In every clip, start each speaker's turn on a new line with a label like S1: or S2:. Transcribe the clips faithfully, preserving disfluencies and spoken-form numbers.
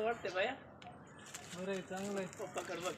S1: वाटते बाया. अरे चांगलं आहे. पप्पाकडे बघ.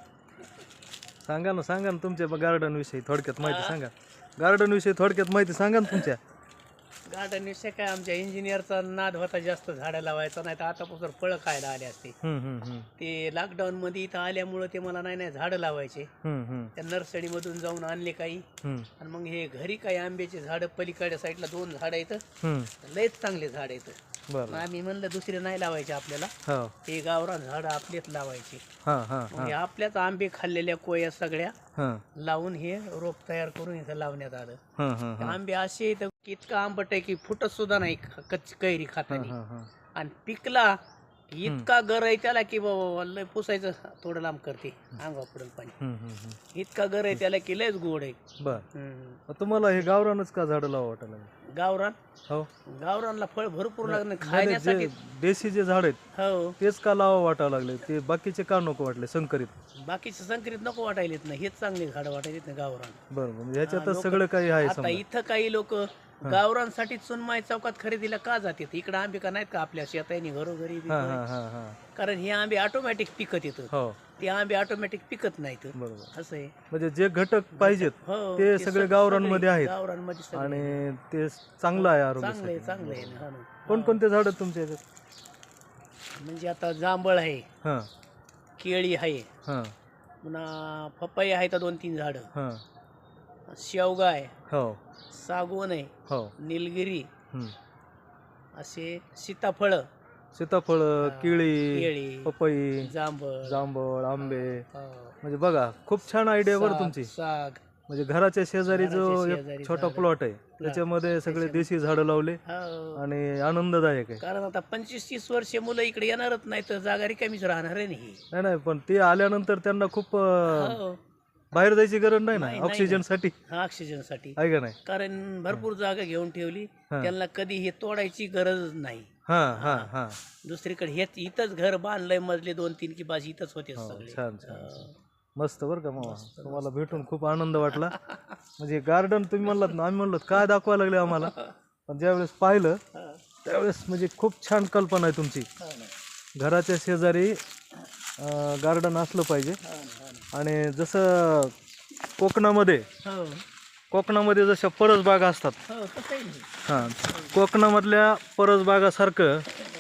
S2: सांगा ना सांगा ना तुमच्या गार्डन विषयी थोडक्यात माहिती सांगा. गार्डन विषयी थोडक्यात माहिती सांगा ना तुमच्या.
S1: गार्डन विषय काय आमच्या इंजिनियरचा नाद होता जास्त झाडं लावायचा, नाही तर आतापासून फळं खायला आले असते.
S2: हम्म हम्म हम्म
S1: ते लॉकडाऊन मध्ये इथं आल्यामुळं ते मला नाही नाही झाडं लावायचे.
S2: हम्म हम्म
S1: त्या नर्सरीमधून जाऊन आणले काही,
S2: हम्म
S1: आणि मग हे घरी काही आंब्याचे झाडं पलीकडच्या साईडला दोन झाडं येतं,
S2: हम्म
S1: लयच चांगले झाड येतं.
S2: बरं.
S1: आम्ही म्हणलं दुसरे नाही लावायचे आपल्याला,
S2: हो
S1: हे गावरान झाडं आपलेच लावायचे.
S2: हां हां
S1: मग हे आपल्याच आंबे खाल्लेल्या कोया सगळ्या
S2: हां
S1: लावून हे रोप तयार करून इथं लावण्यात आलं.
S2: हां हां हां
S1: आंबे असे इथं इतकं आंबट आहे की फुटत सुद्धा नाही कच्ची कैरी
S2: हां
S1: खाताना.
S2: हां हां
S1: आणि पिकला इतका गर आहे त्याला की बाबा लय पुसायचं थोडं लांब करते अंगा पडेल पाणी.
S2: हम्म हम्म हम्म
S1: इतका गर आहे त्याला की लयच गोड आहे.
S2: बर.
S1: हम्म.
S2: मग तुम्हाला हे गावरानच का झाडं लावा वाटायला लागलं?
S1: गावरान
S2: हो
S1: गावरानला फळ भरपूर लागणार
S2: नाही, नाही,
S1: खाण्यासाठी.
S2: जे देशी जे झाड आहेत
S1: हो
S2: तेच का लावा वाटायला लागले? ते बाकीचे का नको वाटले संकरित?
S1: बाकीचे संकरित नको वाटायलेत ना, हेच चांगले झाडं वाटायलेत ना गावरान.
S2: बरं म्हणजे ह्याच्यातच
S1: लोकं-
S2: सगळं काही आहे
S1: आता
S2: समजा.
S1: इथं काही लोक गावरानसाठी सुनमाई चौकात खरेदीला का जातात? इकडे आंबे का नाहीत का आपल्या शेतानी घरोघरी बी
S2: हां
S1: घरी?
S2: हां हां हां
S1: कारण हे आंबे ऑटोमॅटिक पिकत येतात,
S2: हो
S1: ते आंबे ऑटोमॅटिक पिकत नाहीत.
S2: बरोबर.
S1: असं आहे.
S2: म्हणजे जे घटक पाहिजेत
S1: हो
S2: ते
S1: ते
S2: सगळे
S1: सग-
S2: गावरानमध्ये आहेत
S1: गावरानमध्ये सगळे.
S2: आणि ते चांगलं आहे
S1: चांगलं आहे
S2: आरोग्यासाठी.
S1: चांगलं आहे ना. हो ना.
S2: कोणकोणते झाड आहेत तुमच्या ह्याच्यात?
S1: म्हणजे आता जांभळ आहे,
S2: हां
S1: केळी आहे,
S2: हां
S1: पुन्हा पपई आहे तर दोन तीन झाडं,
S2: हां
S1: शेवगा आहे,
S2: हो
S1: सागवण आहे,
S2: हो
S1: निलगिरी,
S2: हम्म.
S1: असे सीताफळ,
S2: सीताफळ, केळी,
S1: केळी,
S2: पपई,
S1: जांभळ,
S2: जांभळ, आंबे.
S1: हो,
S2: म्हणजे बघा खूप छान आयडिया बरं
S1: साग-
S2: तुमची.
S1: साग.
S2: म्हणजे घराच्या शेजारी जो
S1: घराच्या
S2: एक
S1: शेजारी
S2: छोटा
S1: झाडं.
S2: प्लॉट आहे त्याच्यामध्ये सगळे देशी झाडं लावले
S1: हो.
S2: आणि आनंददायक आहे.
S1: कारण आता पंचवीस तीस वर्षे मुलं इकडे येणारच नाही तर जागा रिकामीच राहणार आहे नाही.
S2: नाही नाही पण ते आल्यानंतर त्यांना खूप अं,
S1: हो.
S2: बाहेर जायची गरज नाही ना
S1: नाही, नाही,
S2: ऑक्सिजन साठी,
S1: हा ऑक्सिजन साठी.
S2: आहे का नाही?
S1: कारण भरपूर जागा घेऊन ठेवली,
S2: हा.
S1: त्यांना कधी हे तोडायची गरज नाही.
S2: हा हा हा
S1: दुसरीकडे हेच इथंच घर बांधलंय, मजले दोन तीन की बास इथंच होते
S2: हो,
S1: सगळे.
S2: छान छान
S1: हो.
S2: छान. मस्त बरं का मामा, तुम्हाला भेटून खूप आनंद वाटला. म्हणजे गार्डन तुम्ही म्हणलात ना, आम्ही म्हणलो काय दाखवायला लागले आम्हाला, पण ज्यावेळेस पाहिलं
S1: हा.
S2: त्यावेळेस म्हणजे खूप छान कल्पना आहे तुमची.
S1: हो ना.
S2: घराच्या शेजारी गार्डन असलं पाहिजे.
S1: हो ना, हो ना.
S2: आणि जसं कोकणामध्ये
S1: हो.
S2: कोकणामध्ये जशा परसबागा असतात,
S1: हो, तसं आहे ना.
S2: हां कोकणामधल्या परसबागासारखं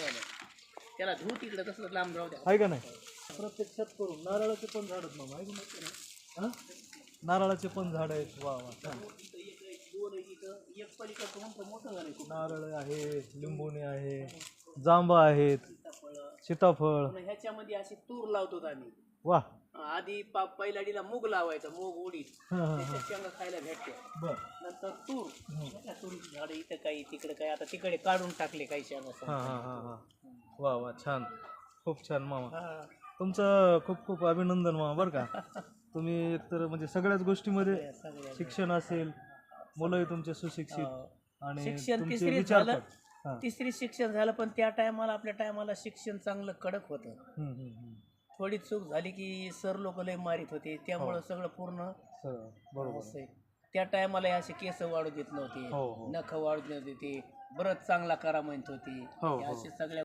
S1: त्याला धू तिकडे तसं लांब राहू द्या.
S2: आहे का नाही? प्रत्यक्षात करून नारळाचे पण झाड आहेत मामा, आहे की नाही? हां नारळाचे पण झाड आहेत. वा वा छान.
S1: दोन आहे इथं, एक पलीकडचं मोठं मोठं झालंय खूप.
S2: नारळ आहे, लिंबोणी आहे, जांबा आहेत, सीताफळ.
S1: पुन्हा ह्याच्यामध्ये अशी तूर लावतो आम्ही.
S2: वा
S1: आधी पा पहिल्याडीला मूग लावायचं, मूग उडीद,
S2: हां हां हां
S1: त्याच्या शेंगा खायला भेटते.
S2: बर.
S1: नंतर तूर, त्या तुरीची झाडं इथं काही तिकडे काही, आता तिकडे काढून टाकले काही शेंगा.
S2: हां हां हां हां वा वा छान, खूप छान मामा.
S1: हा.
S2: तुमचं खूप खूप अभिनंदन मामा बरं का. तुम्ही एकतर म्हणजे सगळ्याच गोष्टीमध्ये
S1: सगळ्या
S2: शिक्षण असेल, मुलंही तुमचे सुशिक्षित
S1: हो.
S2: आणि
S1: शिक्षण
S2: तुमचे
S1: तिसरीत
S2: विचार
S1: झालं,
S2: पण. हां.
S1: तिसरी शिक्षण झालं, पण त्या टायमाला आपल्या टायमाला शिक्षण चांगलं कडक होतं.
S2: हम्म, हम्म, हम्म.
S1: थोडी चूक झाली की सर लोक लय मारित होते, त्यामुळं सगळं पूर्ण
S2: सगळं बरोबर.
S1: असं आहे. त्या टायमाला असे केस वाढू देत नव्हते,
S2: हो, हो.
S1: नख वाढू देत नव्हते, ते बरंच चांगला करा म्हणत होते.
S2: हो,
S1: हे
S2: हो.
S1: असे सगळ्या